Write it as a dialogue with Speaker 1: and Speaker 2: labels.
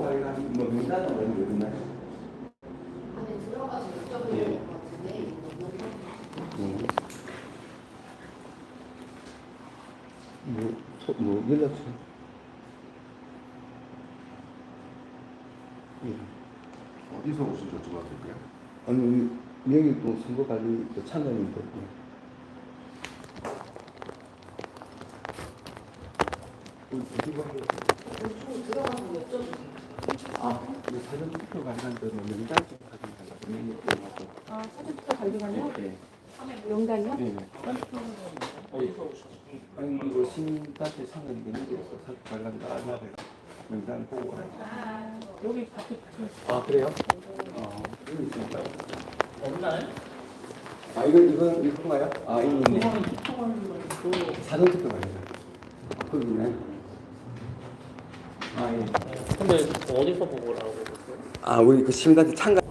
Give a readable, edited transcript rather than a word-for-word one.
Speaker 1: 관련 뭐 명단은 뭐 이런 거 있나요?
Speaker 2: 안에 들어가서 여쭤보는
Speaker 1: 예.
Speaker 2: 것 같은데
Speaker 1: 뭐 연락처? 예.
Speaker 3: 어디서 오신 여쭤봐도 될까요?
Speaker 1: 아니 여기 또 선거관리 참관인데. 어디 가?
Speaker 2: 좀 들어가서 여쭤보세요.
Speaker 1: 아, 사전 투표 관련 그 명단 좀 확인하려고.
Speaker 4: 아, 사전투표 관리관요?
Speaker 1: 네.
Speaker 4: 명단이요?
Speaker 1: 네. 아니 이거 신단체 참관이 되는데 사전 관련도 알아야 명단 보고.
Speaker 4: 여기 밖에
Speaker 1: 아 그래요? 여기 있습니다. 없나요? 아 이건가요? 아 있네. 사전 투표 관련. 거기 있나요? 아 예.
Speaker 5: 근데 어디서 보고 오라고 그랬어요?
Speaker 1: 아 우리 그 시민단체 참가.